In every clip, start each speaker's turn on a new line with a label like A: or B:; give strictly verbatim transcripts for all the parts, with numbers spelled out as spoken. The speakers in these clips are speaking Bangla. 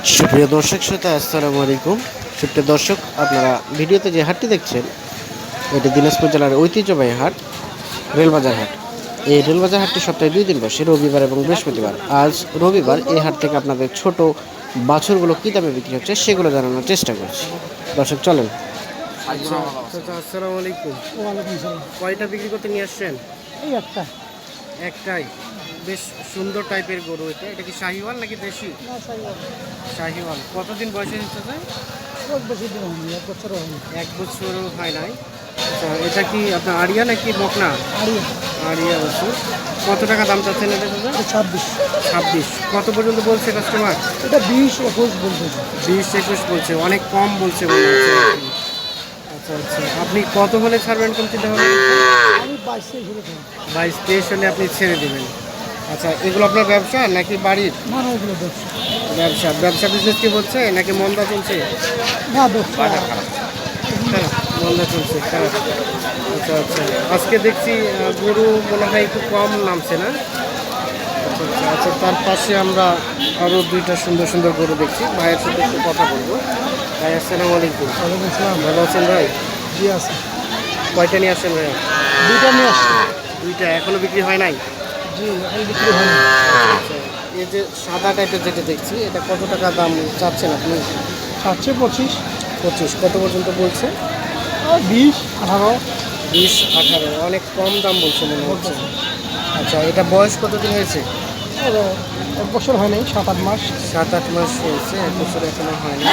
A: সুপ্রিয় দর্শক শ্রোতা, আসসালামু আলাইকুম। সুপ্রিয় দর্শক, আপনারা ভিডিওতে যে হাটটি দেখছেন এটি দিনাজপুর জেলার ঐতিহ্যবাহী হাট, রেলবাজার হাট। এই রেলবাজার হাটটি সপ্তাহে দুই দিন বসে, রবিবার এবং বৃহস্পতিবার। আজ রবিবার, এই হাট থেকে আপনাদের ছোট বাছুরগুলো কী দামে বিক্রি হচ্ছে সেগুলো জানানোর চেষ্টা করছি। দর্শক চলেন। আচ্ছা, আসসালামু আলাইকুম।
B: ওয়ালাইকুম সালাম।
A: কয়টা বিক্রি করতে নিয়ে আসছেন?
B: এই একটা
A: একটাই। বেশ সুন্দর টাইপের গরু এটা। এটা কি শাহিওয়াল নাকি দেশি?
B: না সাইওয়াল।
A: শাহিওয়াল। কতদিন বয়সে হচ্ছে?
B: খুব বেশি দিন হয়নি, এক বছরও হয়নি।
A: এক বছরও হয় নাই। আচ্ছা, এটা কি আপনার আড়িয়া নাকি বকনা?
B: আড়িয়া।
A: আড়িয়া বছর। কত টাকা দাম চাচ্ছেন এটা দাদা?
B: এটা ছাব্বিশ।
A: ছাব্বিশ। কত পর্যন্ত বলছে কাস্টমার?
B: এটা বিশ একুশ বলতেছে।
A: বিশ একুশ বলছে, অনেক কম বলছে মনে হচ্ছে আর কি। আচ্ছা আচ্ছা, আপনি কত হলে ছাড়বেন কোন চিন্তা ভাবনা?
B: আমি বাইশ তেইশ হলে খাই।
A: বাইশ তেইশ হলে আপনি ছেড়ে দেবেন। আচ্ছা, এগুলো আপনার ব্যবসা নাকি বাড়ির?
B: না না, এগুলো ব্যবসা।
A: ব্যবসা। ব্যবসা বিজনেস কি হচ্ছে নাকি মন্দা চলছে?
B: না ব্যবসা।
A: হ্যাঁ, মন্দা চলছে, খারাপ। আচ্ছা আচ্ছা, আজকে দেখছি আহ, গরু মনে হয় একটু কম নামছে না? আচ্ছা আচ্ছা আচ্ছা, তার পাশে আমরা আরও দুইটা সুন্দর সুন্দর গরু দেখছি। ভাইয়ের সাথে একটু কথা বলবো। ভাই আসসালামু আলাইকুম।
B: ওয়ালাইকুম সালাম।
A: ভালো আছেন ভাই?
B: জি আছে।
A: কয়টা নিয়ে আসছেন ভাই?
B: দুইটা নিয়ে আসছি।
A: দুইটা। এখনো বিক্রি হয় নাই?
B: জি এখন বিক্রি হয়নি।
A: আচ্ছা, এই যে সাদা টাইপের যেটা দেখছি, এটা কত টাকা দাম চাচ্ছেন আপনি?
B: চাচ্ছে পঁচিশ।
A: পঁচিশ। কত পর্যন্ত বলছে?
B: আর বিশ আঠারো।
A: বিশ আঠারো। অনেক কম দাম বলছে মনে হচ্ছে। আচ্ছা, এটা বয়স কতদিন হয়েছে?
B: আর এক বছর হয় নাই, সাত আট মাস।
A: সাত আট মাস হয়েছে, এক বছর এখনো হয়নি।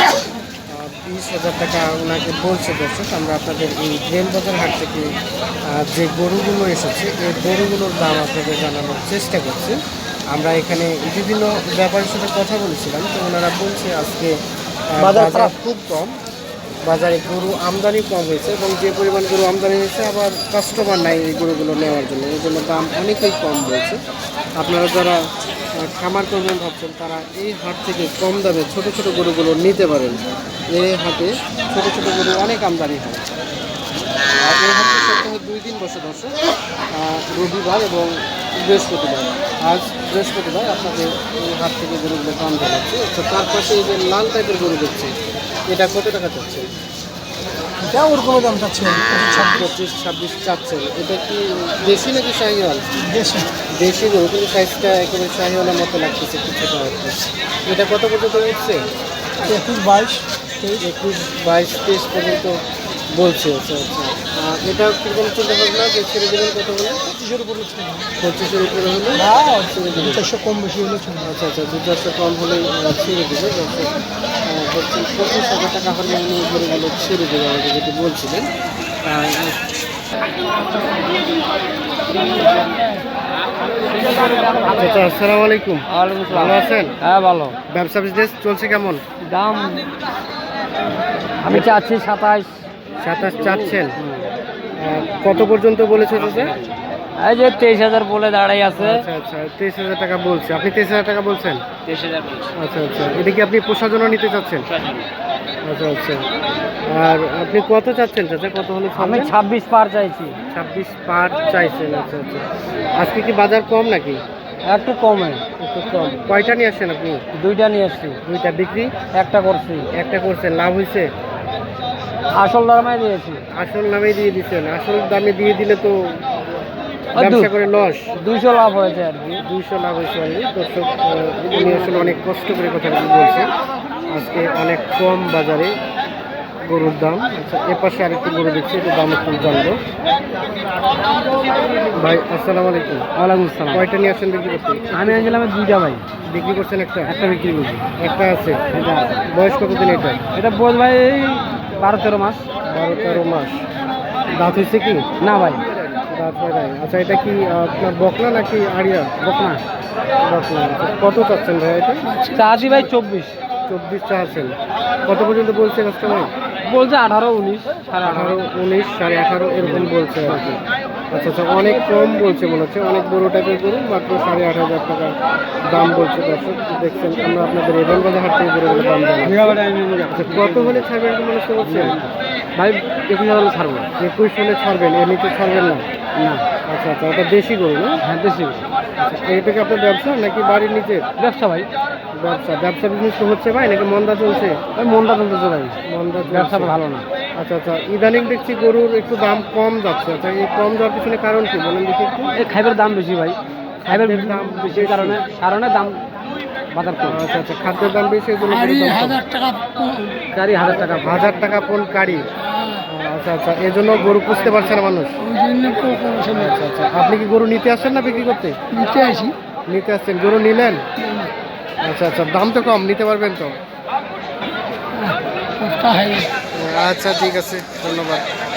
A: বিশ হাজার টাকা ওনাকে বলছে। দর্শক, আমরা আপনাদের এই রেলবাজার হাট থেকে আহ, যে গরুগুলো এসেছে এই গরুগুলোর দাম আপনাদের জানানোর চেষ্টা করছি। আমরা এখানে বিভিন্ন ব্যাপারের সাথে কথা বলেছিলাম, তো ওনারা বলছে আজকে আহ,
B: বাজার
A: বাজার
B: খারাপ।
A: খুব কম, বাজারে গরু আমদানি কম হয়েছে এবং যে পরিমাণ গরু আমদানি হয়েছে আবার কাস্টমার নাই এই গরুগুলো নেওয়ার জন্য, এই জন্য দাম অনেকই কম বলছে। আপনারা যারা আহ, খামার করবেন ভাবছেন তারা এই হাট থেকে কম দামে ছোট ছোট গরুগুলো নিতে পারেন। এই হাটে ছোট ছোট গরু অনেক আমদানি হয়। আর এই হাটটি সপ্তাহে দুই দিন বসে দর্শক, আহ, রবিবার এবং বৃহস্পতিবার। আজ বৃহস্পতিবার আপনাদের এই হাট থেকে গরুগুলো দাম জানাচ্ছে। আচ্ছা, তার পাশে এই যে লাল টাইপের গরু দেখছি, এটা কত টাকা চাচ্ছে?
B: এটা ওরকম দাম চাচ্ছে
A: পঁচিশ ছাব্বিশ চাচ্ছেন। এটা কি দেশি নাকি শাহিওয়াল?
B: দেশি।
A: দেশি গরু, কিন্তু সাইজটা একেবারে শাহিওয়ালের মতো লাগতেছে, একটু ছোটো হচ্ছে। এটা কত পর্যন্ত উঠছে?
B: একুশ বাইশ তেইশ।
A: একুশ বাইশ তেইশ পর্যন্ত বলছে। আচ্ছা আচ্ছা, আর এটা কীরকম চিন্তা ভাবনা যে ছেড়ে দেবেন কত হলে?
B: পঁচিশের উপরে ছিল।
A: পঁচিশের উপরে হলে
B: না
A: ছেড়ে দেবেন?
B: চারশো কম বেশি হলে চলবে।
A: আচ্ছা আচ্ছা, দু চারশো কম হলেই আহ, ছেড়ে দেবে। দর্শক, আহ, বলছেন পঁচিশ হাজার টাকা হলে উনি গরুগুলো ছেড়ে দেবে আমাকে যেটি বলছিলেন। আহ, আচ্ছা, আসসালামু আলাইকুম। ভালো আছেন?
B: হ্যাঁ ভালো।
A: ব্যবসা বিজনেস চলছে কেমন?
B: দাম আমি চাচ্ছি সাতাইশ।
A: সাতাশ চাচ্ছেন? আহ, কত পর্যন্ত বলেছে চাচা?
B: এই যে তেইশ হাজার বলে দাঁড়াই আছে।
A: আচ্ছা আচ্ছা, তেইশ হাজার টাকা বলছে। আপনি তেইশ হাজার টাকা বলছেন?
B: তেইশ হাজার বলছে।
A: আচ্ছা আচ্ছা, এটা কি আপনি পোষার জন্য নিতে চাচ্ছেন? আচ্ছা আচ্ছা, আর আপনি কত চাচ্ছেন চাচা? কত হলে
B: আমি
A: ছাড়বেন?
B: ছাব্বিশ পার চাইছি।
A: ছাব্বিশ পার চাইছেন? আচ্ছা আচ্ছা, আজকে কি বাজার কম নাকি?
B: একটু কমে।
A: একটু কম। কয়টা নিয়ে আসছেন আপনি?
B: দুইটা নিয়ে আসছি।
A: দুইটা বিক্রি?
B: একটা করছি।
A: একটা করছেন, লাভ হয়েছে?
B: আসল দামে দিয়েছি।
A: আসল দামে দিয়ে দিচ্ছেন? আসল দামে দিয়ে দিলে তো ব্যবসা করে লস।
B: দুইশো লাভ হয়েছে আর কি।
A: দুইশো লাভ হয়েছে অলরেডি। দর্শক, আহ, উনি আসলে অনেক কষ্ট করে কথা বলছেন। আজকে অনেক কম বাজারে গরুর দাম। আচ্ছা, এ পাশে আরেকটি গরু দেখছি, একটু দাম একটু জানবো। ভাই আসসালামু আলাইকুম।
B: ওয়ালাইকুম আসসালাম।
A: কয়টা নিয়ে আসেন বিক্রি করতে?
B: আমি আনছিলাম দুইটা ভাই।
A: বিক্রি করছেন একটা?
B: একটা বিক্রি করছি।
A: একটা আছে।
B: এটা আছে।
A: বয়স কতদিন এটা?
B: এটা বোধ ভাই এই বারো তেরো মাস।
A: বারো তেরো মাস। দাঁত হয়েছে কি?
B: না ভাই
A: দাঁত হয় নাই। আচ্ছা, এটা কি আহ, আপনার বকনা নাকি আড়িয়া?
B: বকনা।
A: বকনা। আচ্ছা, কত চাচ্ছেন ভাই এটা?
B: চাচ্ছি ভাই চব্বিশ।
A: চব্বিশ চাচ্ছেন। কত পর্যন্ত বলছে কাস্টমার?
B: বলছে আঠারো উনিশ সাড়ে
A: আঠারো
B: আঠারো।
A: উনিশ সাড়ে আঠারো এরকম বলছে আর কি। আচ্ছা আচ্ছা, অনেক কম বলছে মনে হচ্ছে। অনেক বড় টাইপের গরু, মাত্র সাড়ে আট হাজার টাকা দাম বলছে। দর্শক দেখছেন, আমরা আপনাদের রেবন বাজার হাট থেকে গরুগুলো দাম জানাই। আচ্ছা, কত হলে ছাড়বেন কি মনে করছেন?
B: ভাই একুশ হাজার ছাড়বো।
A: একুশ হলে ছাড়বেন, এমনিতে ছাড়বেন না?
B: না।
A: আচ্ছা আচ্ছা, ওটা দেশি গরু না?
B: হ্যাঁ দেশি।
A: এইটা কি আপনার ব্যবসা নাকি বাড়ির নিচে
B: ব্যবসা ভাই,
A: ব্যবসা? ব্যবসা বিজনেস তো হচ্ছে ভাই নাকি মন্দা চলছে?
B: ওই মনটা চলতেছে ভাই,
A: মন্দা চলছে।
B: ব্যবসা ভালো না।
A: আচ্ছা আচ্ছা, ইদানিং দেখছি গরুর একটু দাম কম যাচ্ছে। আচ্ছা, এই কম যাওয়ার পিছনে কারণ কি বলেন দেখি একটু।
B: এই খাইবের দাম বেশি ভাই, খাইবের
A: খাদ্যের দাম
B: দাম বেশি
A: বেশি।
B: কারণে কারণে দাম বাজার কম।
A: আচ্ছা আচ্ছা, খাদ্যের দাম বেশি, এই জন্য গরুর দাম কম।
B: চারি হাজার টাকা
A: হাজার টাকা পন কাড়ি। আচ্ছা আচ্ছা, এই জন্য গরু পুষতে পারছে না মানুষ। আচ্ছা আচ্ছা, আপনি কি গরু নিতে আসছেন না বিক্রি করতে?
C: নিতে আসি।
A: নিতে আসছেন, গরু নিলেন? আচ্ছা আচ্ছা, দাম তো কম, নিতে পারবেন তো? আচ্ছা ঠিক আছে, ধন্যবাদ।